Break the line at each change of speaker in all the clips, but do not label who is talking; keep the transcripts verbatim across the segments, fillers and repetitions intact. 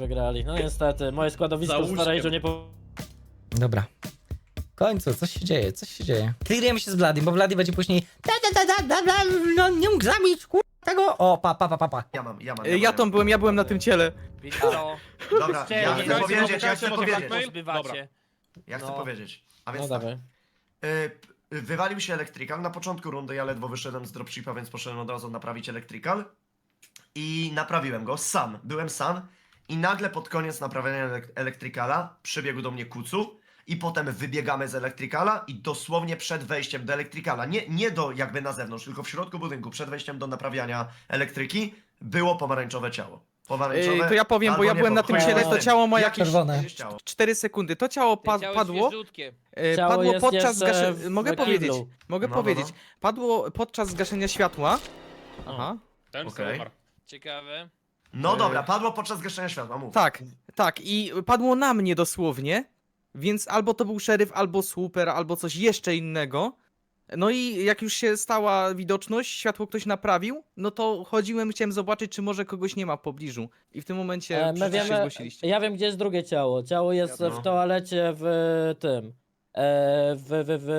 wygrali. No niestety, moje składowisko z Storage'u nie po...
Dobra. W końcu, coś się dzieje, coś się dzieje. Clearujemy się z Vladim, bo Vladi będzie później da, da, da, da, da, da, no nie mógł zabić, kur... tego. O, pa, pa, pa, pa, pa.
Ja mam, ja mam.
E, Ja tam byłem, ja byłem na tym ciele.
No.
Dobra, ja chcę powiedzieć, ja chcę powiedzieć.
Zbywacie.
Ja chcę
No.
powiedzieć. A
No
więc tak.
dawaj.
Y, wywalił się Electrical. Na początku rundy ja ledwo wyszedłem z dropshipa, więc poszedłem od razu naprawić Electrical. I naprawiłem go sam. Byłem sam. I nagle pod koniec naprawiania elek- Electricala przybiegł do mnie Kucu. I potem wybiegamy z Electricala i dosłownie przed wejściem do Electricala, nie, nie do jakby na zewnątrz, tylko w środku budynku, przed wejściem do naprawiania elektryki, było pomarańczowe ciało. Pomarańczowe.
E, to ja powiem, bo
albo
ja
nie,
byłem na tym
chuj
ciele,
wie.
to ciało ma
Jak
jakieś
czerwone.
ciało?
cztery sekundy. To ciało pa
Ciało
padło.
świeżutkie.
E,
Ciało
padło
jest
podczas
jeszcze
zgaszenia.
w
Mogę
kiblu.
powiedzieć. Mogę
No, no,
powiedzieć.
no.
Padło podczas zgaszenia światła. Aha.
Ten
Okej.
okay.
Ciekawe.
No
E,
dobra, padło podczas gaszenia światła, mów.
Tak, tak. I padło na mnie dosłownie. Więc albo to był szeryf, albo słuper, albo coś jeszcze innego. No i jak już się stała widoczność, światło ktoś naprawił, no to chodziłem, chciałem zobaczyć, czy może kogoś nie ma w pobliżu. I w tym momencie
E, my
wszyscy się
wiemy,
zgłosiliście.
ja wiem gdzie jest drugie ciało. Ciało jest
No.
w toalecie w tym, e, w, w, w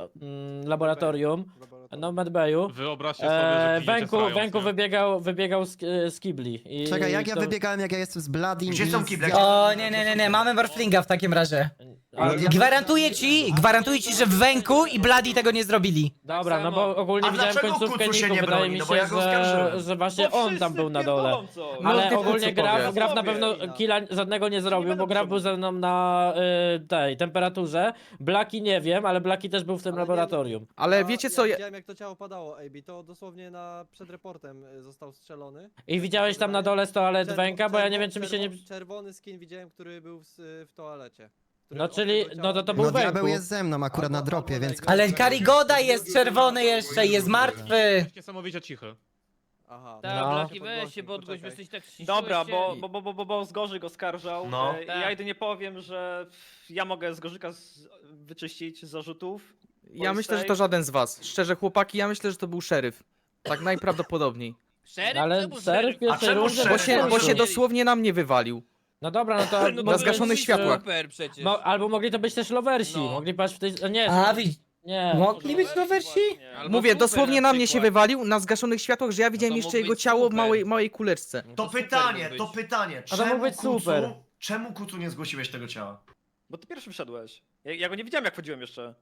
mm, laboratorium, no w medbayu.
Wyobraźcie sobie, że
E,
pijecie
Węku,
srając,
Węku
nie?
wybiegał, wybiegał z, z kibli. I
Czekaj, jak ja
to-
wybiegałem, jak ja jestem z Bladim
Gdzie
i
są
z-
kible?
O, nie, nie, nie, nie, mamy Morflinga w takim razie.
Ale-
Gwarantuję ci, gwarantuję ci, że w Węku i Bladi tego nie zrobili.
Dobra, no
samo.
bo ogólnie
A
widziałem
dlaczego
końcówkę
Kucu się
Niku,
nie
wydaje
broni?
mi
No bo
się,
ja go
że,
oskarżyłem.
że właśnie on tam był na dole.
No,
Ale
ty
ogólnie
Kucu
Graf,
powie.
Graf na pewno killa żadnego nie zrobił, bo Graf był ze mną na y, tej temperaturze. Blaki nie wiem, ale Blaki też był w tym
Ale nie-
laboratorium.
Ale wiecie co,
Ja
ja...
widziałem jak to ciało padało, A B, to dosłownie na, przed reportem y, został strzelony.
I widziałeś tam na dole z toalet
Czerwo-
Węka, bo ja nie
czerwo-
wiem czy mi się nie...
czerwo- Czerwony skin widziałem, który był w, w toalecie. Który
No
od
czyli-
tego
no
ciała
to to
biegł.
był
No
Węku.
diabeł jest ze mną akurat na
Albo-
dropie,
albo
więc...
Lego.
Ale Karigoda jest czerwony jeszcze, jest martwy.
Jesteś niesamowicie cichy.
Aha.
Tak,
No.
Blaki, weź się podgłoś, bo jesteś tak
Dobra,
ścisłeś
bo,
się.
bo, bo, bo, bo, bo z Gorzyk oskarżał.
No.
E,
Tak.
Ja jedynie powiem, że ja mogę z Gorzyka z, wyczyścić z zarzutów.
ja myślę, że to żaden z was. Szczerze, chłopaki, ja myślę, że to był szeryf. Tak najprawdopodobniej.
Szeryf?
Ale
Czemu
szeryf w pierwszej
czemu
rundzie...
szeryf?
Bo się, bo się
Szeryf.
dosłownie na mnie wywalił.
No dobra, no to...
No
Na
mogli
zgaszonych
być,
światłach.
Super przecież.
Mo, albo mogli to być też lowersi,
No.
mogli paść w tej... Nie,
A, widz,
nie.
mogli być lowersi?
Albo
Mówię,
super
dosłownie na mnie się
przykład.
wywalił, na zgaszonych światłach, że ja widziałem
to
jeszcze
mógł
jego
być
ciało w
super.
małej, małej kuleczce.
No
To
super
pytanie,
mógł
to
być.
pytanie.
A to mógł być
Kucu-
super.
Czemu Kucu nie zgłosiłeś tego ciała?
Bo ty pierwszy wszedłeś. Ja, ja go nie widziałem, jak wchodziłem jeszcze.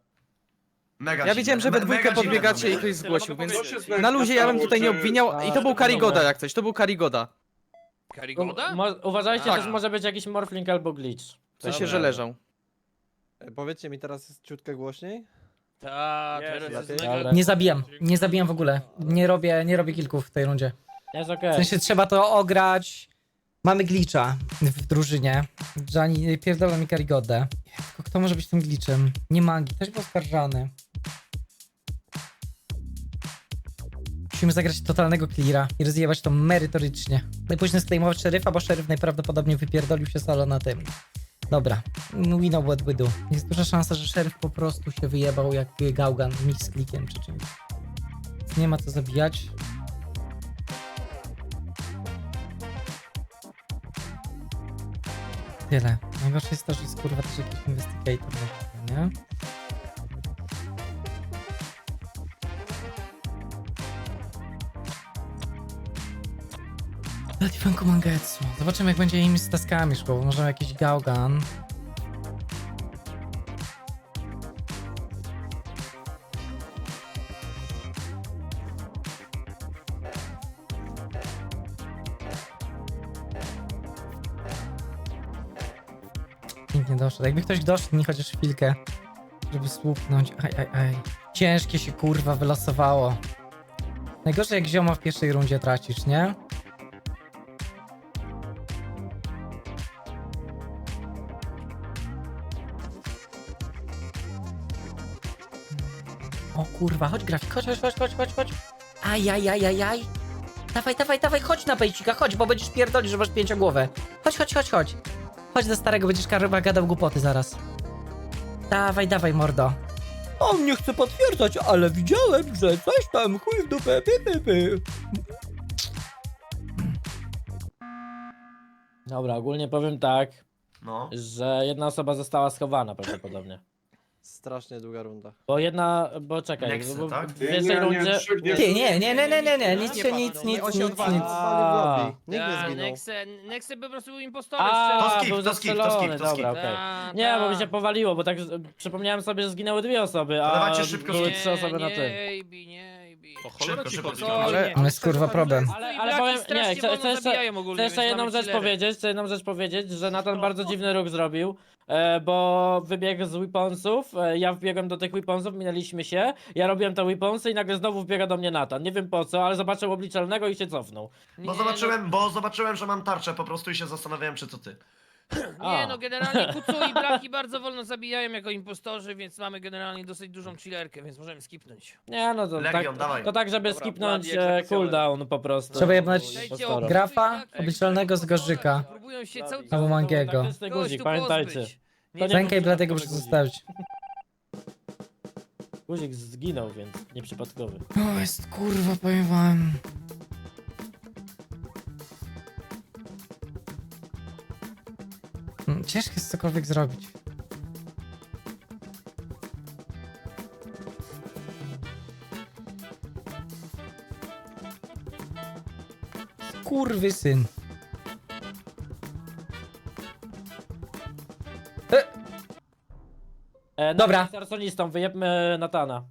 Mega
Ja
dziwne.
widziałem, że we
Me-
dwójkę
mega dziwne
podbiegacie
to
i
było.
ktoś zgłosił,
Tyle
więc
mogę powiedzieć.
na luzie ja bym tutaj nie obwiniał. I to był Karigoda jak coś, to był Karigoda.
Karigoda?
Mo, uważajcie,
Tak.
też może być jakiś morphling albo glitch.
W sensie,
Dobra.
że leżał.
E, Powiedzcie mi teraz jest ciutkę głośniej.
Tak,
Jest,
teraz jest
jest.
mega...
Dobra.
Nie zabijam, nie zabijam w ogóle. Nie robię, nie robię kilków w tej rundzie.
Jest
W
okej.
sensie trzeba to ograć. Mamy glitcha w drużynie. Gianni pierdolą mi Karigodę. Tylko kto może być tym glitchem? Nie Magi, też był oskarżany. Musimy zagrać totalnego cleara i rozjebać to merytorycznie. Najpóźniej sklejmować szeryfa, bo szeryf najprawdopodobniej wypierdolił się solo na tym. Dobra, we know what we do. Jest duża szansa, że szeryf po prostu się wyjebał jak gałgan z klikiem czy czymś. Więc nie ma co zabijać. Tyle. Najgorsze jest to, że jest kurwa też jakiś investigator, nie? Latifanku Mangetsu. Zobaczymy jak będzie im z taskami szło, bo może jakiś gałgan. Nikt nie doszedł. Jakby ktoś doszedł mi chociaż chwilkę, żeby słupnąć. Aj, aj, aj. Ciężkie się kurwa wylosowało. Najgorzej jak zioma w pierwszej rundzie tracisz, nie? O kurwa, chodź grafik, chodź, chodź, chodź, chodź, chodź, chodź. Aj, aj, aj, aj, aj. Dawaj, dawaj, dawaj, chodź na pejcika, chodź, bo będziesz pierdolić, że masz pięciogłowę. Chodź, chodź, chodź, chodź. Chodź do starego, będziesz karwa gadał głupoty zaraz. Dawaj, dawaj, mordo. On nie chce potwierdzać, ale widziałem, że coś tam chuj w dupę, py, py, py.
Dobra, ogólnie powiem tak,
No.
że jedna osoba została schowana prawdopodobnie.
Strasznie długa runda.
Bo jedna, bo czekaj,
Nexy,
bo
tak?
w pierwszej rundzie...
Ty, nie, nie, nie, nie, nie, nie, nic się, nic, nic,
On się
nic,
odwalił,
nic.
odwalił w lobby.
A.
Nikt nie
Ta,
zginął.
Nexe, Nexe po prostu był impostorem.
A,
To skip,
był
to skip, to skip,
zastrzelony,
to skip.
dobra, okej.
Ta,
Nie, bo
ta.
mi się powaliło, bo tak z- przypomniałem sobie, że zginęły dwie osoby,
To
a
dawajcie szybko
były
skip.
trzy osoby na
nie,
tym.
A B, nie, A B.
O cholera
Szybko,
ci
szybko,
chodzi.
szybko.
Ale-
Ale jest kurwa problem.
Ale,
I
ale
Blaki
powiem,
strasznie
nie, chcę,
wolno
chcę jeszcze,
zabijają ogólnie,
chcę jeszcze
więc
jedną
mamy
rzecz
chillery.
powiedzieć, chcę jedną rzecz powiedzieć, że Nathan bardzo dziwny ruch zrobił, e, bo wybiegł z weaponsów, e, ja wbiegłem do tych weaponsów, minęliśmy się, ja robiłem te weaponsy i nagle znowu wbiega do mnie Nathan, nie wiem po co, ale zobaczył obliczalnego i się cofnął.
Bo
Nie,
zobaczyłem, bo zobaczyłem, że mam tarczę po prostu i się zastanawiałem, czy to ty.
No, nie
A.
no, generalnie Kucu i Blaki bardzo wolno zabijają jako impostorzy, więc mamy generalnie dosyć dużą chillerkę, więc możemy skipnąć.
Nie no to
Legion,
tak,
dawaj.
to tak, żeby
Dobra,
skipnąć
Blady
e,
egzekucjoner.
cooldown po prostu.
Trzeba jebnąć
Przejdźcie
Impostora.
o-
Grafa,
Jak-
obliczalnego z Gorzyka.
Próbują się cały
Albo Mangiego.
Taktyczny
kogoś
guzik,
tu
pamiętajcie.
pozbyć.
To nie
Rękę i
był
Bladego muszę
przypadkowy
zostawić.
guzik. Guzik zginął, więc nieprzypadkowy.
O, jest kurwa, powiem wam. Hmm, Ciężko jest cokolwiek zrobić. Kurwy syn.
E,
Dobra.
Nathan jest arsonistą, wyjebmy Natana.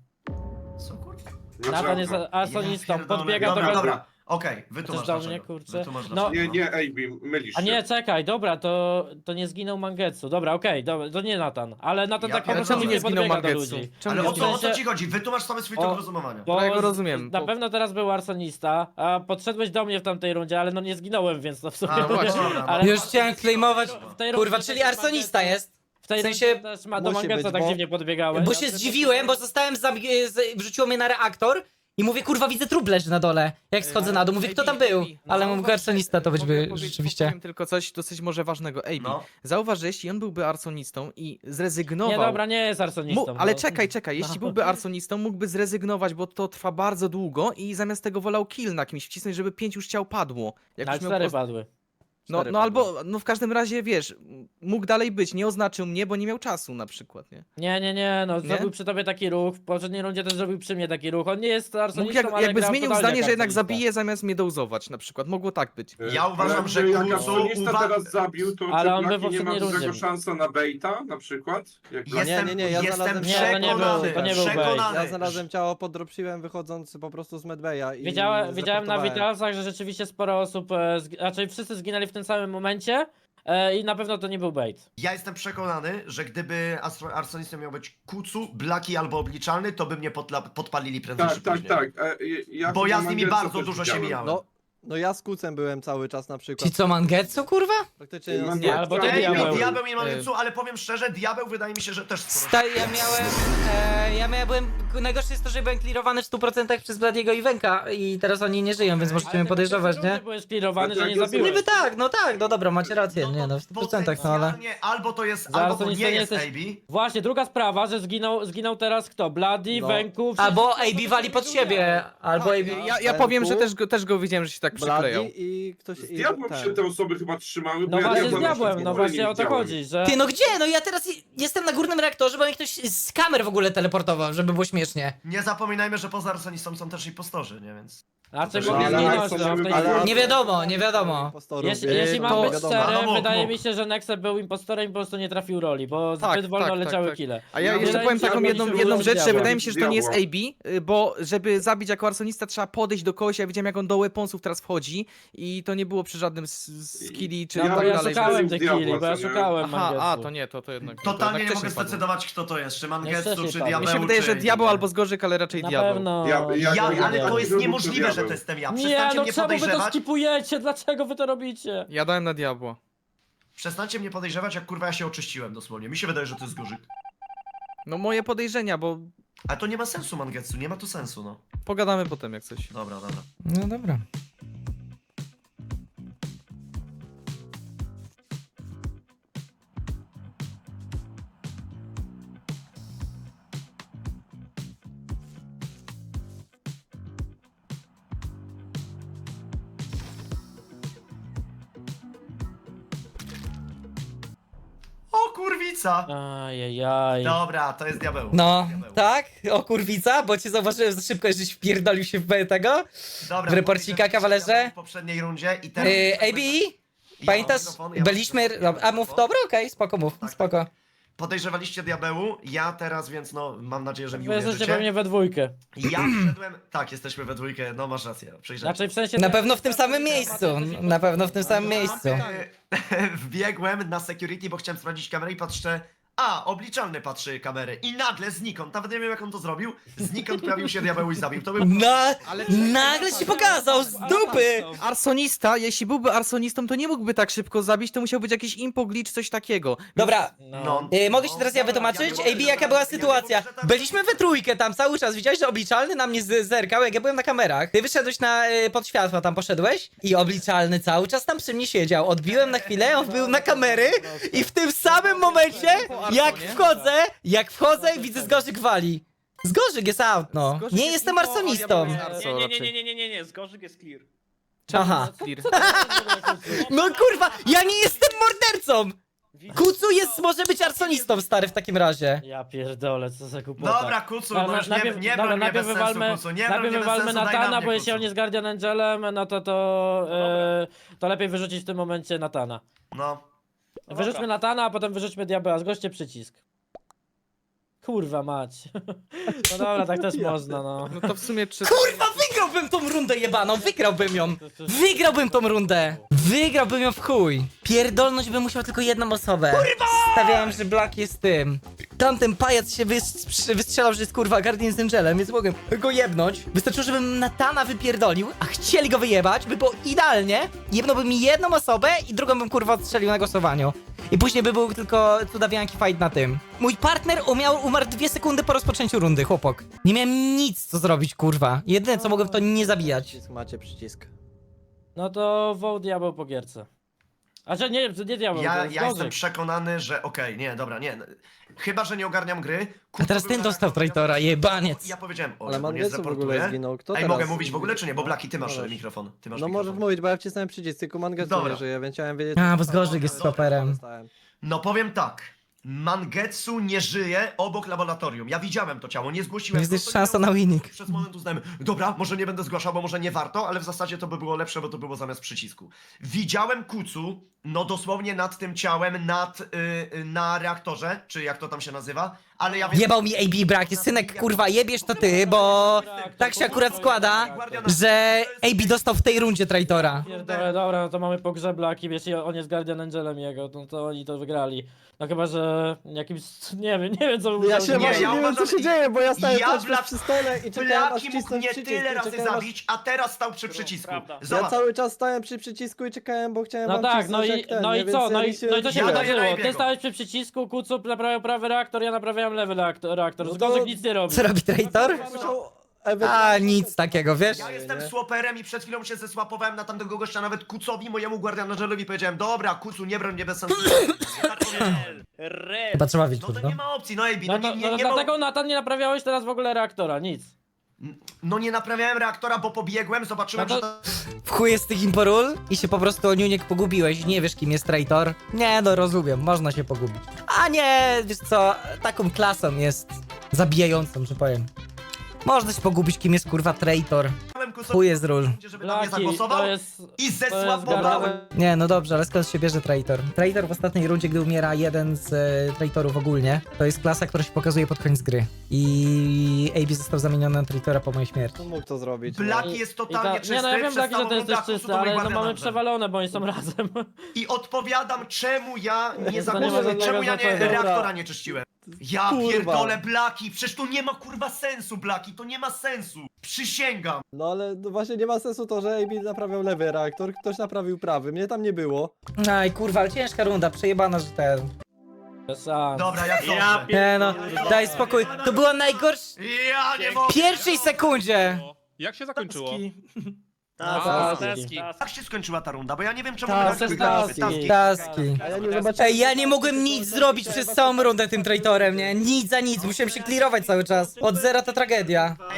Co kurwa?
Nathan jest arsonistą,
Ja pierdolę.
podbiega do
Dobra,
go...
dobra. Okej, wytłumacz
Chcesz do mnie,
dlaczego.
kurczę?
Wytłumacz
No.
dlaczego.
Nie, nie, A B, mylisz
A
się.
nie, czekaj, dobra, to, to nie zginął Mangetsu. Dobra, okej, dobra, to nie Nathan. Ale Nathan
Ja
tak po
pierdolę.
prostu
Czemu
nie
nie
zginął
podbiega do
Mangetsu?
ludzi.
Czemu
Ale
nie
o co, o co
sensie-
ci chodzi? Wytłumacz sobie swój
O,
tok rozumowania.
Bo
Ja go rozumiem,
Na
bo-
pewno teraz był arsonista, a podszedłeś do mnie w tamtej rundzie, ale no nie zginąłem, więc to w sumie...
A, no właśnie.
ale
Już chciałem claimować.
w tej
Kurwa,
rundzie
czyli
też
arsonista
Mangetsu-
jest.
W tej
W sensie-
rundzie też ma do
Musi
Mangetsu
być,
tak
bo-
dziwnie podbiegałeś.
Bo się zdziwiłem, bo zostałem zabi- z- wrzuciło mnie na reaktor i mówię, kurwa, widzę trup leży na dole. Jak schodzę na dół, mówię, kto tam był? Ale mógł arsonista to być
Mogę
by
powiedzieć-
rzeczywiście.
Powiem tylko coś dosyć może ważnego. Ej,
No.
zauważ, że jeśli on byłby arsonistą i zrezygnował...
Nie, dobra, nie jest arsonistą.
Mu, ale
no.
czekaj, czekaj, jeśli byłby arsonistą, mógłby zrezygnować, bo to trwa bardzo długo i zamiast tego wolał kill na kimś wcisnąć, żeby pięć już ciał padło. Jak
Ale
już miał
cztery
poz-
padły.
No,
Cztery
no
padły.
albo, no w każdym razie, wiesz, mógł dalej być, nie oznaczył mnie, bo nie miał czasu na przykład, nie?
Nie, nie, nie, no
Nie?
zrobił przy tobie taki ruch, w poprzedniej rundzie też zrobił przy mnie taki ruch. On nie jest
Mógł
arsonistą,
jak,
ale
jakby
gra
zmienił
totalnie
zdanie,
jak
że jednak
arsonista.
zabije zamiast mnie dołzować na przykład, mogło tak być.
Ja uważam, że
jak
Kucu
arsonista
uwa-
teraz zabił, to
Ale
czy
on by w
Blaki nie ma
poprzedniej
dużego
rundzie.
szansa na baita na przykład? Jak Blaki-
Jestem,
Nie, nie, nie, ja
jestem
znalazłem-
Nie, to nie był-
przekonany,
to nie był bait.
przekonany.
Ja znalazłem ciało, podropsiłem wychodząc po prostu z medbaya i
Wiedziałem, wiedziałem na
zreportowałem.
Witalsach, że rzeczywiście sporo osób, e, zg- raczej wszyscy zginęli w tym samym momencie e, i na pewno to nie był bait.
Ja jestem przekonany, że gdyby astro- arsonistą miał być Kucu, Blaki albo Obliczalny, to by mnie podla- podpalili prędzej
Tak,
czy
tak,
później.
tak. E, ja
Bo ja z nimi
Mangetsu
bardzo
też
dużo się
widziałem.
mijałem.
No, no ja z Kucem byłem cały czas na przykład.
Ci co, Mangetsu, kurwa?
Praktycznie
Nie,
nie,
nie,
albo ty
Ej,
diabeł.
diabeł nie mam nic, ale powiem szczerze, diabeł wydaje mi się, że też sporo.
Sta ja miałem, e, ja miałem, byłem, najgorsze jest to, że byłem clearowany w stu procentach przez Bladiego i Wenka i teraz oni nie żyją, więc możecie mnie podejrzewać, nie?
Byłeś clearowany,
Tak,
że nie
tak, ja
zabiłeś.
Niby tak, no tak, no dobra, macie rację, nie no, w stu procentach, no ale...
Potencjalnie albo to jest,
Za
albo to
arsonistą
nie
nie
jest
jesteś-
A B.
Właśnie, druga sprawa, że zginął, zginął teraz kto? Bloody,
No.
Węku...
Albo
wszyscy-
A B wali pod siebie, albo A B...
Ja, ja powiem, że też go, też go widziałem, że się tak przyklejał.
Bladi i ktoś...
Z
i
diabłem
ten.
się te osoby chyba trzymały, bo
No
ja
właśnie z
diabła jeszcze
diabłem,
w
no
ogóle
właśnie
nie
o to
widziałem.
chodzi, że...
Ty, no gdzie? No ja teraz i- jestem na górnym reaktorze, bo mnie ktoś z kamer w ogóle teleportował, żeby było śmiesznie.
Nie zapominajmy, że poza arsonistą są też impostorzy, nie? Więc...
Znaczy,
No,
mogli
ale
zginąć,
są
no, w tej
ale-
chwili.
Nie wiadomo, nie wiadomo.
Impostorów,
Jeśli,
więc
jeśli
to
mam być
wiadomo.
szczery,
No, mógł,
wydaje
mógł.
mi się, że Nexe był impostorem i po prostu nie trafił roli, bo
Tak,
zbyt wolno
tak, tak,
leciały
tak.
kile.
A ja
No,
jeszcze
wydaje
powiem
mi się,
taką
że
jedną,
powinniśmy
jedną
było
rzecz, że
diabła.
wydaje mi się, że to nie jest
Diabła.
A B, y, bo żeby zabić jako arsonista trzeba podejść do kogoś, ja widziałem jak on do weaponsów teraz wchodzi i to nie było przy żadnym s- s- skilli czy
No
Ja
bo
tak
ja
dalej.
szukałem
żeby-
tych
diabła,
killi, bo ja
co nie?
szukałem
Aha, a
Mangetsu.
to nie, to, to jednak. to
Totalnie
jednak
nie mogę
wcześniej padło.
zdecydować, kto to jest, czy Mangetsu,
wcześniej
czy
padło.
diabeł,
Mi się wydaje, że
czy...
diabeł albo z Gorzyk, ale raczej
Na
diabeł.
pewno...
Ja- ja-
Ja,
ja-
ale
ja-
to jest
ja-
niemożliwe, że
diabeł.
to jestem ja.
Nie,
Przestańcie
no
mnie
czemu wy to
podejrzewać.
skipujecie? Dlaczego wy to robicie?
Ja dałem na diabła.
Przestańcie mnie podejrzewać, jak kurwa ja się oczyściłem dosłownie. Mi się wydaje, że to jest Gorzyk.
No moje podejrzenia, bo
Ale to nie ma sensu, Mangetsu, nie ma to sensu, no.
pogadamy potem jak coś.
Dobra, dobra.
No dobra.
kurwica!
Ajajaj.
Dobra, to jest diabeł.
No,
Diabeł.
tak? O kurwica, bo cię zauważyłem za szybko, żeś wpierdolił się w B tego.
Dobra,
w reporcika, kawalerze?
W poprzedniej rundzie i teraz...
Yy, A B?
Ja
Pamiętasz?
mam mikrofon, ja mam
Byliśmy...
mikrofon, ja
A
mam
mów,
mikrofon.
dobra, okej, spoko mów,
Tak,
spoko.
tak. Podejrzewaliście diabełu, ja teraz, więc no, mam nadzieję, że mi
Wy jesteście
uwierzycie.
pewnie we dwójkę.
Ja wszedłem... Tak, jesteśmy we dwójkę, no masz rację, przyjrzałem.
Znaczy w sensie...
Na pewno w tym samym miejscu, na pewno w tym samym miejscu.
E, Wbiegłem na security, bo chciałem sprawdzić kamerę i patrzę. A, obliczalny patrzy kamerę. I nagle znikąd, nawet nie wiem jak on to zrobił, znikąd pojawił się diabeł i zabił. To był...
Na...
Ale
Nagle się pokazał z dupy!
Arsonista, jeśli byłby arsonistą, to nie mógłby tak szybko zabić, to musiał być jakiś impo glitch, coś takiego.
Dobra,
No.
Yy, mogę się teraz ja wytłumaczyć? A B, jaka była sytuacja? Byliśmy we trójkę tam cały czas, widziałeś, że obliczalny na mnie z- zerkał, jak ja byłem na kamerach. Ty wyszedłeś na, y, pod światła, tam poszedłeś i obliczalny cały czas tam przy mnie siedział. Odbiłem na chwilę, on wbił na kamery i w tym samym momencie, jak wchodzę, jak wchodzę, widzę Zgorzyk wali. Zgorzyk jest out, no.
Zgorzyk
Nie
jest
jestem
impo, a
arsonistą.
diabeł jest
Nie, nie, nie, nie, nie, nie, nie, nie, Zgorzyk jest clear.
Aha.
Clear.
No kurwa, ja nie jestem mordercą! Kucu jest, może być arsonistą, stary, w takim razie.
Ja pierdolę, co za głupota.
Dobra, Kucu,
Dobra,
no już nie,
najpierw,
nie
dobra,
broń mnie
najpierw
bez sensu,
wywalmy,
Kucu, nie broń
najpierw
mnie bez
wywalmy
sensu, daj na
Natana,
mnie,
bo jeśli
Kucu.
on jest Guardian Angelem, no to to, e, to lepiej wyrzucić w tym momencie Natana.
No.
Wyrzućmy Natana, a potem wyrzućmy diabeła, zgłoście przycisk. Kurwa mać. No dobra, tak też można, no.
No to w sumie trzy...
Kurwa, wygrałbym tą rundę jebaną, wygrałbym ją. Wygrałbym tą rundę. Wygrałbym ją w chuj. Pierdolność bym musiał tylko jedną osobę. Kurwa! Stawiałem, że Black jest tym. Tamten pajac się wys- wystrzelał, że jest kurwa Guardian z Angelem, więc mogłem go jebnąć. Wystarczyło, żebym Natana wypierdolił, a chcieli go wyjebać, by było idealnie. Jebnąłbym mi jedną osobę i drugą bym kurwa odstrzelił na głosowaniu. I później by był tylko cudawianki fight na tym. Mój partner umiał, umarł dwie sekundy po rozpoczęciu rundy, chłopok. Nie miałem nic co zrobić, kurwa. Jedyne co mogłem to nie zabijać.
Przycisk, macie przycisk.
No to wołt diabeł po gierce. A że nie, nie diabeł,
Ja,
to
ja
jest
jestem
Zgorzyk.
przekonany, że okej, nie, dobra, nie. Chyba, że nie ogarniam gry.
A teraz ten dostał traitora, jebaniec.
Ja powiedziałem, o,
Ale
że go nie
Mangetsu w ogóle
zreportuję.
zginął. Kto
Ej,
teraz?
mogę mówić w ogóle, czy nie? Bo Blaki, ty masz
Możesz.
mikrofon. Ty masz
No
mikrofon.
możesz mówić, bo ja wcisnąłem przycisk, tylko Mangetsu
Dobra.
nie żyje, więc chciałem wiedzieć...
A, bo Zgorzyk jest stoperem.
Dostałem.
No powiem tak. Mangetsu nie żyje obok laboratorium. Ja widziałem to ciało, nie zgłosiłem.
Jest
go,
też
to nie
szansa
miało
na
sensu.
winning.
Przez moment uznałem, dobra, może nie będę zgłaszał, bo może nie warto, ale w zasadzie to by było lepsze, bo to było zamiast przycisku. Widziałem Kucu, no dosłownie nad tym ciałem, nad, y, y, na reaktorze, czy jak to tam się nazywa, ale ja wiem...
Jebał mi A B brak, synek, kurwa, jebiesz to ty, bo tak się akurat składa, że A B dostał w tej rundzie traitora.
Pierdolę, dobra, no to mamy pogrzeb Blaki, wiesz, i on jest Guardian Angelem jego, no to oni to wygrali. No chyba, że jakimś, nie wiem, nie wiem co by
Ja
musiał
się
Nie,
zrobić.
właśnie
ja
nie wiem co
uważam,
się dzieje, bo ja stałem
ja
cały czas
Blak-
przy stole i czekałem aż
Blaki mógł
wcisnąć
mnie
przycisk.
tyle
i
razy
czekałem, aż-
zabić, a teraz stał przy przycisku.
Prawda.
Ja
Zobacz,
cały czas stałem przy przycisku i czekałem, bo chciałem
No
wam
tak, no
wcisnąć
i,
jak ten,
no
nie?
i
Więc
co,
ja
no i,
liczyłem,
no i to
że
się
Ja daję
wydarzyło.
na
Ty
Ebiego.
stałeś przy przycisku, Kucu naprawiał prawy reaktor, ja naprawiałem lewy reaktor, reaktor.
No to-
Zgorzyk nic nie robi.
Co robi traitor?
musiał
A,
ewentualnie-
nic takiego, wiesz?
ja jestem
nie?
swaperem i przed chwilą się zesłapowałem na tamtego gościa, nawet Kucowi, mojemu Guardianagelowi powiedziałem, dobra, Kucu, nie broń mnie bez sensu. Ja tak powiedziałem.
Red.
Chyba trzeba wiedzieć,
No to
no.
nie ma opcji, no Ebi,
No,
no,
no,
nie, nie,
no
nie
dlatego
mo-
Natan nie naprawiałeś teraz w ogóle reaktora, nic.
No nie naprawiałem reaktora, bo pobiegłem, zobaczyłem,
No to-
że... ta-
W chuj jest tych imporul i się po prostu o Niuniek pogubiłeś, nie wiesz kim jest traitor. Nie, no rozumiem, można się pogubić. A nie, wiesz co, taką klasą jest zabijającą, że powiem. Można się pogubić kim jest kurwa traitor.
Kucowi,
Chuj jest ról.
żeby na mnie
Blaki,
zagłosował
to jest...
i
To jest
zesłapowałem.
Guardian...
Nie, no dobrze, ale skąd się bierze traitor? Traitor w ostatniej rundzie, gdy umiera jeden z e, traitorów ogólnie, to jest klasa, która się pokazuje pod koniec gry. I A B został zamieniony na traitora po mojej śmierci.
Kto mógł to zrobić?
Blaki
I-
jest
i
totalnie
ta-
czysty.
Nie no, ja wiem,
przez
Blaki, że
całą
ty jesteś
rundę, a Kucu
czysty,
to mój
ale no
Guardian
mamy
Angel.
przewalone, bo oni są razem.
I odpowiadam, czemu ja nie
To nie ma
zagłosowałem,
żadnego
czemu ja nie
znaczenia.
reaktora nie czyściłem. Ja
Kurwa.
pierdolę Blaki, przecież to nie ma kurwa sensu, Blaki, to nie ma sensu. Przysięgam.
No ale no właśnie nie ma sensu to, że A B naprawiał lewy reaktor, ktoś naprawił prawy, mnie tam nie było.
Aj kurwa, ale ciężka runda, przejebana, że ten...
Bez szans.
Dobra, jak
Ja
dobrze.
Nie no, daj spokój, to była najgorsza...
Ja nie mogę.
W pierwszej sekundzie!
Jak się zakończyło?
Taski.
Taski.
Taski.
Jak się skończyła ta runda? Bo ja nie wiem czemu
Tak,
Blaki
to jest
wygrał.
taski.
Taski.
A ja nie zobaczyłem...
Ej, ja nie mogłem nic zrobić przez całą rundę tym traitorem, nie? Nic za nic, musiałem się clearować cały czas. Od zera to tragedia.